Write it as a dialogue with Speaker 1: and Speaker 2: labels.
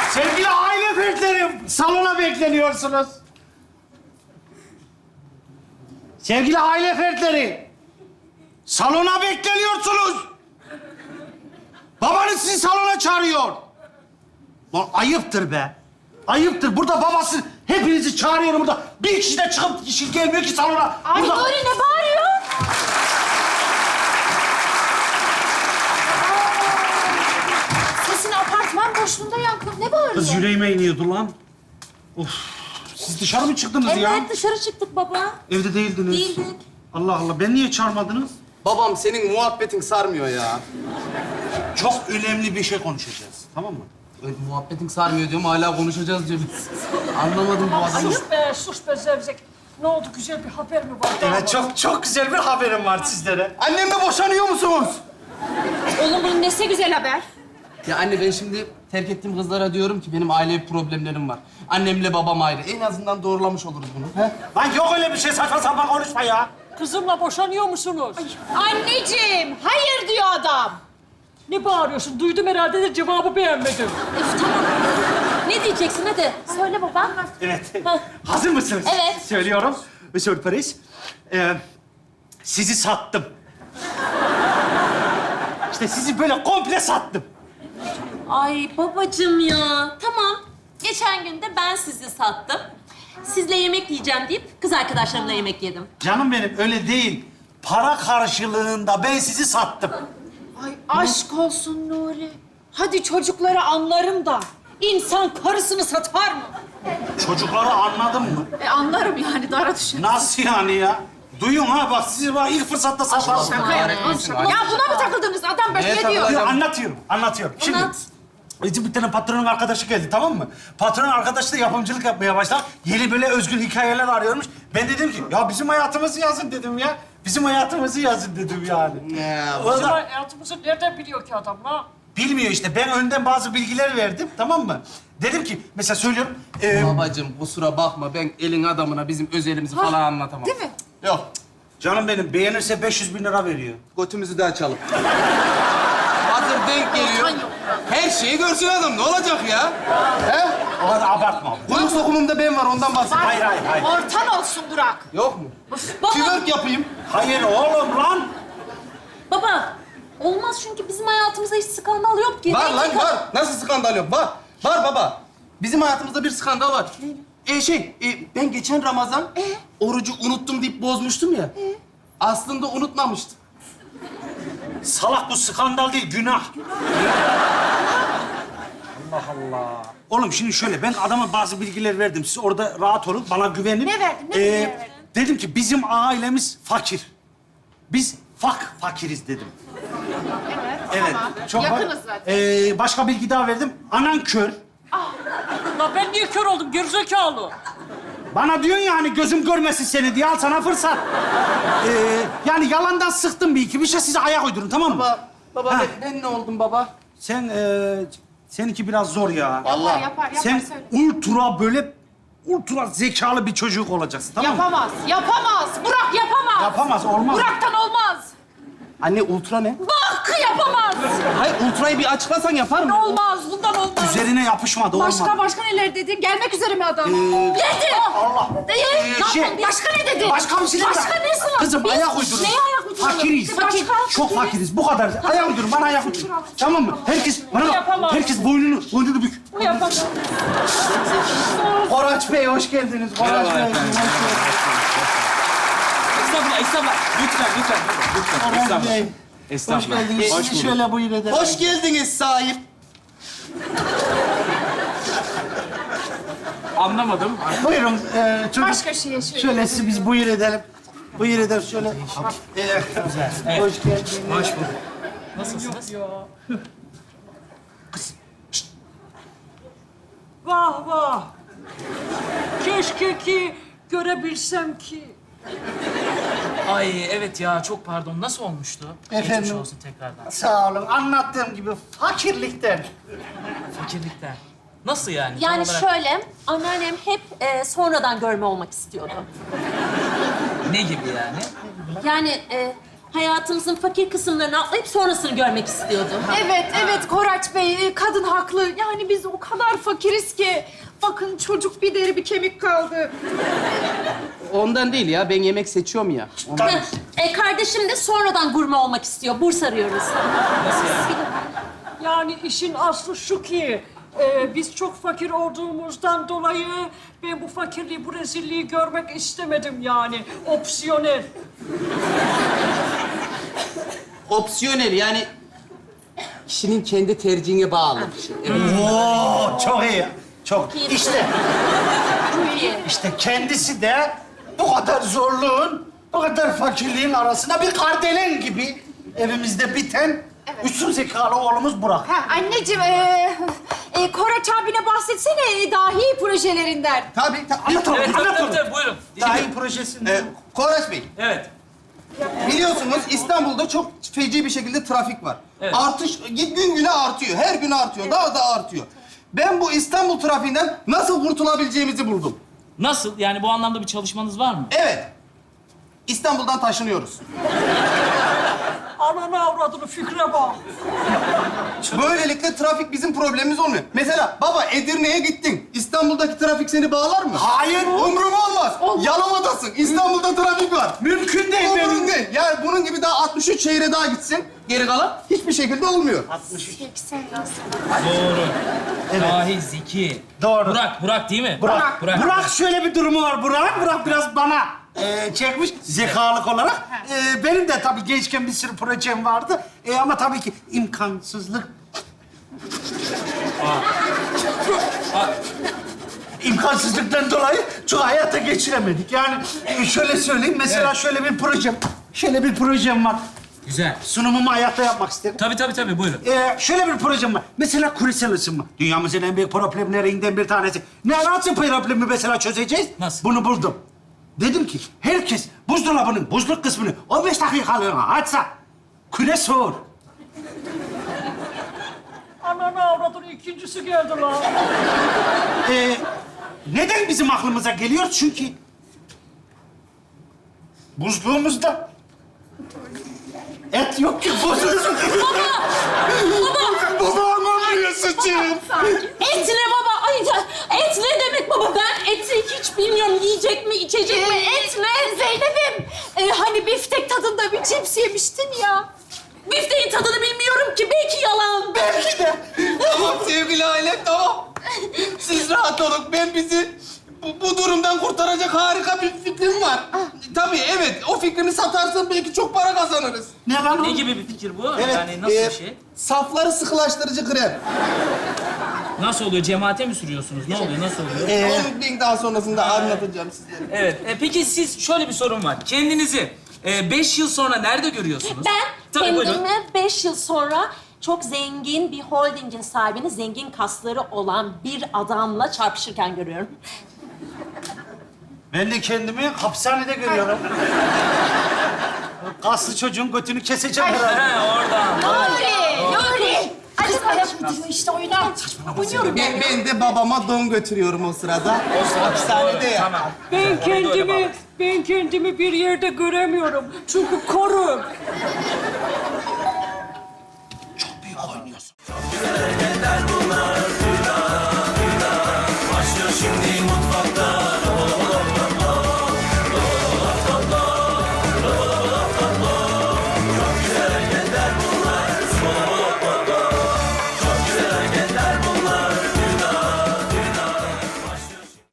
Speaker 1: Sevgili aile fertlerim, salona bekleniyorsunuz. Sevgili aile fertleri, salona bekleniyorsunuz. Babanız sizi salona çağırıyor. Lan ayıptır be. Ayıptır. Burada babası hepinizi çağırıyorum burada. Bir kişi de çıkıp kişi gelmiyor ki salona.
Speaker 2: Ay
Speaker 1: Burada...
Speaker 2: Nuri ne bağırıyor? Sesini apartman boşluğunda yankı. Ne bağırıyor?
Speaker 1: Kız yüreğime iniyordu lan. Of. Siz dışarı mı çıktınız
Speaker 2: Evet
Speaker 1: ya?
Speaker 2: dışarı çıktık baba.
Speaker 1: Evde değildiniz.
Speaker 2: Değildik.
Speaker 1: Allah Allah. Ben niye çağırmadınız?
Speaker 3: Babam senin muhabbetin sarmıyor ya.
Speaker 1: Çok önemli bir şey konuşacağız. Tamam mı?
Speaker 3: Muhabbetin sarmıyor diyorum, hala konuşacağız diyor. Anlamadım bu adamı.
Speaker 4: Sus be Zevzek. Ne oldu, güzel bir haber mi var?
Speaker 1: Evet, çok güzel bir haberim var sizlere.
Speaker 3: Annemle boşanıyor musunuz?
Speaker 2: Oğlum bunun nesi güzel haber?
Speaker 3: Ya anne, ben şimdi terk ettiğim kızlara diyorum ki benim ailevi problemlerim var. Annemle babam ayrı. En azından doğrulamış oluruz bunu. He?
Speaker 1: Lan yok öyle bir şey, saçma sapan konuşma ya.
Speaker 4: Kızımla boşanıyor musunuz?
Speaker 2: Anneciğim, hayır diyor adam.
Speaker 4: Ne bağırıyorsun? Duydum herhalde de cevabı beğenmedim.
Speaker 2: Üf, tamam. Ne diyeceksin hadi? Söyle baba.
Speaker 1: Evet.
Speaker 2: Hah.
Speaker 1: Hazır mısınız?
Speaker 2: Evet.
Speaker 1: Söylüyorum. Bir sürpriz. Sizi sattım. İşte sizi böyle komple sattım.
Speaker 2: Ay babacığım ya. Tamam. Geçen gün de ben sizi sattım. Sizle yemek yiyeceğim deyip kız arkadaşlarımla yemek yedim.
Speaker 1: Canım benim, öyle değil. Para karşılığında ben sizi sattım.
Speaker 2: Ay aşk olsun Nuri. Hadi çocukları anlarım da. İnsan karısını satar mı?
Speaker 1: Çocukları anladın mı?
Speaker 2: Anlarım yani, dara düşer.
Speaker 1: Nasıl yani ya? Duyun ha, bak sizi bak ilk fırsatta satarım.
Speaker 2: Ya buna mı takıldınız? Adam böyle
Speaker 3: Neye
Speaker 2: ne diyor?
Speaker 1: Yok, anlatıyorum. Şimdi
Speaker 2: Anlat.
Speaker 1: bir tane patronun arkadaşı geldi, tamam mı? Patronun arkadaşı da yapımcılık yapmaya başladı. Yeni böyle özgün hikayeler arıyormuş. Ben dedim ki, ya bizim hayatımızı yazın dedim ya. Bizim hayatımızı yazın dedim yani.
Speaker 3: Ya,
Speaker 1: O
Speaker 4: Bizim
Speaker 1: da
Speaker 4: hayatımızı nereden biliyor ki adam ha?
Speaker 1: bilmiyor işte. Ben önden bazı bilgiler verdim, tamam mı? Dedim ki, mesela söylüyorum.
Speaker 3: Babacığım kusura bakma, ben elin adamına bizim özelimizi falan anlatamam.
Speaker 2: Değil mi?
Speaker 3: Yok,
Speaker 1: Canım benim, beğenirse 500.000 lira veriyor.
Speaker 3: götümüzü de açalım. Hazır denk geliyor. Her şeyi görsün adam, ne olacak ya? He?
Speaker 1: O kadar abartma.
Speaker 3: Kuyruk sokumumda ben var, ondan bahsediyorum.
Speaker 1: Hayır.
Speaker 2: Ortan olsun Burak.
Speaker 3: Yok mu?
Speaker 2: Baba,
Speaker 3: Twerk yapayım.
Speaker 1: Hayır oğlum lan.
Speaker 2: baba. Olmaz çünkü bizim hayatımızda hiç skandal yok ki.
Speaker 3: Var
Speaker 2: Ne
Speaker 3: lan,
Speaker 2: ki-
Speaker 3: var. Nasıl skandal yok? Var. Var baba. Bizim hayatımızda bir skandal var. Ben geçen Ramazan orucu unuttum deyip bozmuştum ya. Aslında unutmamıştım.
Speaker 1: Salak, bu skandal değil, günah. Allah Allah. Oğlum şimdi şöyle, ben adama bazı bilgiler verdim. Siz orada rahat olun, bana güvenin.
Speaker 2: Ne verdin, ne bilgiler verdin?
Speaker 1: Dedim ki bizim ailemiz fakir. Biz fakiriz dedim. Evet. Çok
Speaker 2: Yakınız zaten.
Speaker 1: Başka bilgi daha verdim. Anan kör.
Speaker 4: Lan ben niye kör oldum? Gerizekalı.
Speaker 1: Bana diyorsun ya hani gözüm görmesin seni diye, al sana fırsat. Yani yalandan sıktım bir iki. Bir şey size ayak uydurun, tamam mı?
Speaker 3: Baba
Speaker 1: Ha.
Speaker 3: ben ne oldum baba?
Speaker 1: Sen, seninki biraz zor ya.
Speaker 3: Vallahi.
Speaker 2: Yapar,
Speaker 1: Sen
Speaker 2: söyle.
Speaker 1: ultra zekalı bir çocuk olacaksın, tamam mı?
Speaker 2: Yapamaz. Burak yapamaz.
Speaker 1: Yapamaz, olmaz.
Speaker 2: Burak'tan olmaz.
Speaker 3: Anne ultra ne?
Speaker 2: Bak yapamaz.
Speaker 3: Hayır, ultrayı bir açıklasan yapar mı?
Speaker 2: Olmaz, bundan olmaz.
Speaker 1: Üzerine yapışmadı, olmadı.
Speaker 2: Başka neler dedin? Gelmek üzere mi adam? Dedi.
Speaker 1: Allah.
Speaker 2: Değil.
Speaker 1: şey-
Speaker 2: Ne yapalım? Başka ne dedi?
Speaker 1: Başka bir şey değil mi?
Speaker 2: Başka nesi var?
Speaker 1: Kızım,
Speaker 2: Biz
Speaker 1: ayak uydurun.
Speaker 2: Neye ayak uyduralım?
Speaker 1: Fakiriz.
Speaker 2: Başka?
Speaker 1: Çok fakiriz, bu kadar. Ayak uydurun, bana ayak uydurun. Tamam mı? Herkes, bana bak,
Speaker 4: Yapamam.
Speaker 1: herkes boynunu bük.
Speaker 4: Bu yapamaz.
Speaker 1: Koraç Bey, hoş geldiniz. Koraç Bey, hoş geldiniz.
Speaker 5: Estağfurullah. Lütfen.
Speaker 1: Koraç Bey, hoş
Speaker 5: Estağfurullah.
Speaker 1: geldiniz. Sizi şöyle buyur edelim.
Speaker 3: Hoş geldiniz sahip.
Speaker 5: Anlamadım.
Speaker 1: Buyurun, çocuk.
Speaker 2: Başka şeye söyle.
Speaker 1: Şöyle sizi biz buyur edelim. Buyur edelim şöyle.
Speaker 5: Evet.
Speaker 1: Hoş geldiniz.
Speaker 5: Hoş bulduk. Nasılsınız?
Speaker 4: Vah vah. Keşke ki görebilsem ki.
Speaker 5: Ay evet ya, çok pardon. Nasıl olmuştu?
Speaker 1: Efendim?
Speaker 5: Geçmiş olsun tekrardan.
Speaker 1: Sağ olun. Anlattığım gibi fakirlikten.
Speaker 5: Fakirlikten. Nasıl yani?
Speaker 2: Yani
Speaker 5: Tam olarak
Speaker 2: şöyle, anneannem hep sonradan görme olmak istiyordu.
Speaker 5: ne gibi yani?
Speaker 2: Yani hayatımızın fakir kısımlarını atlayıp sonrasını görmek istiyordum.
Speaker 6: Evet Koraç Bey, kadın haklı. Yani biz o kadar fakiriz ki. Bakın çocuk bir deri bir kemik kaldı.
Speaker 3: Ondan değil ya. Ben yemek seçiyorum ya. Ondan.
Speaker 2: Kardeşim de sonradan gurme olmak istiyor. Burs arıyoruz.
Speaker 4: Yani işin aslı şu ki, biz çok fakir olduğumuzdan dolayı ben bu fakirliği, bu rezilliği görmek istemedim yani. Opsiyonel.
Speaker 3: Opsiyonel yani kişinin kendi tercihine bağlı bir şey. Evet.
Speaker 1: Oo, çok iyi. Çok.
Speaker 2: İyi.
Speaker 1: İşte,
Speaker 2: Çok iyi.
Speaker 1: işte kendisi de bu kadar zorluğun, bu kadar fakirliğin arasında bir kardelen gibi evimizde biten üstün zekalı oğlumuz Burak.
Speaker 6: Ha, anneciğim, Koraç abine bahsetsene dahi projelerinden.
Speaker 3: Tabii.
Speaker 1: Anlat oğlum,
Speaker 5: Evet, tabii,
Speaker 1: anlat
Speaker 5: tabii,
Speaker 1: oğlum.
Speaker 5: tabii, buyurun.
Speaker 1: Dahi projesinde.
Speaker 3: Koraç Bey,
Speaker 5: Evet.
Speaker 3: biliyorsunuz İstanbul'da çok feci bir şekilde trafik var.
Speaker 5: Evet.
Speaker 3: Artış gün güne artıyor. Her gün artıyor. Daha da artıyor. Ben bu İstanbul trafiğinden nasıl kurtulabileceğimizi buldum.
Speaker 5: Nasıl? Yani bu anlamda bir çalışmanız var mı?
Speaker 3: Evet. İstanbul'dan taşınıyoruz.
Speaker 4: Ananı avradını fikre bak.
Speaker 3: Böylelikle trafik bizim problemimiz olmuyor. Mesela baba Edirne'ye gittin. İstanbul'daki trafik seni bağlar mı?
Speaker 1: Hayır.
Speaker 3: Umurumda olmaz. Yalova'dasın. İstanbul'da trafik var.
Speaker 1: Mümkün değil
Speaker 3: Umurumda
Speaker 1: benim.
Speaker 3: değil. Yani bunun gibi daha 63 şehre daha gitsin. Geri kalan hiçbir şekilde olmuyor.
Speaker 1: 63.
Speaker 5: Doğru. Dahi, zeki.
Speaker 1: Doğru.
Speaker 5: Burak değil mi?
Speaker 1: Burak.
Speaker 5: Burak.
Speaker 1: Burak şöyle bir durumu var Burak. Burak biraz bana çekmiş zekalık olarak. Benim de tabii gençken bir sürü projem vardı. Ama tabii ki imkansızlık. İmkansızlıktan dolayı çok hayata geçiremedik. Yani şöyle söyleyeyim, mesela şöyle bir projem var.
Speaker 5: Güzel.
Speaker 1: Sunumumu hayatta yapmak isterim.
Speaker 5: Tabii, buyurun.
Speaker 1: Şöyle bir projem var. Mesela küresel ısınma. Dünyamızın en büyük problemlerinden bir tanesi. Nasıl problemi mesela çözeceğiz?
Speaker 5: Nasıl?
Speaker 1: Bunu buldum. Dedim ki herkes buzdolabının buzluk kısmını 15 dakikalığına açsa küre soğur.
Speaker 4: Ananı avradını ikincisi geldi lan.
Speaker 1: Neden bizim aklımıza geliyor? Çünkü buzluğumuzda et yok ki buzluğumuzda. Baba aman sıçayım.
Speaker 2: Et ne baba? Ay ya, et ne demek baba? Ben eti hiç bilmiyorum. Yiyecek mi, içecek mi? Et ne?
Speaker 6: Zeynep'im, hani biftek tadında bir cips yemiştin ya.
Speaker 2: Bifteğin tadını bilmiyorum ki. Belki yalan.
Speaker 1: Belki de.
Speaker 3: Tamam sevgili aile, tamam. Siz rahat olun. Ben bizi bu durumdan kurtaracak harika bir fikrim var. Tabii evet, o fikrini satarsan belki çok para kazanırız.
Speaker 1: Ne lan
Speaker 5: Ne
Speaker 1: o?
Speaker 5: gibi bir fikir bu? Yani nasıl bir şey?
Speaker 3: Safları sıkılaştırıcı krem.
Speaker 5: Nasıl oluyor? Cemaate mi sürüyorsunuz? Ne oluyor? Nasıl oluyor?
Speaker 3: Onu bir daha sonrasında anlatacağım sizlere.
Speaker 5: Evet. Peki siz şöyle bir sorun var. Kendinizi 5 yıl sonra nerede görüyorsunuz?
Speaker 2: Ben
Speaker 5: Tabii, buyurun.
Speaker 2: kendimi 5 yıl sonra çok zengin bir holdingin sahibini, zengin kasları olan bir adamla çarpışırken görüyorum.
Speaker 1: Ben de kendimi hapishanede görüyorum. Kaslı çocuğun götünü keseceğim herhalde.
Speaker 5: He, oradan.
Speaker 6: Nuri! Hadi sana gidiyor işte oyuna. Oynuyorum ben.
Speaker 3: Ben de babama don götürüyorum o sırada. Hapishanede ya.
Speaker 5: Tamam.
Speaker 4: Ben kendimi bir yerde göremiyorum. Çünkü koru.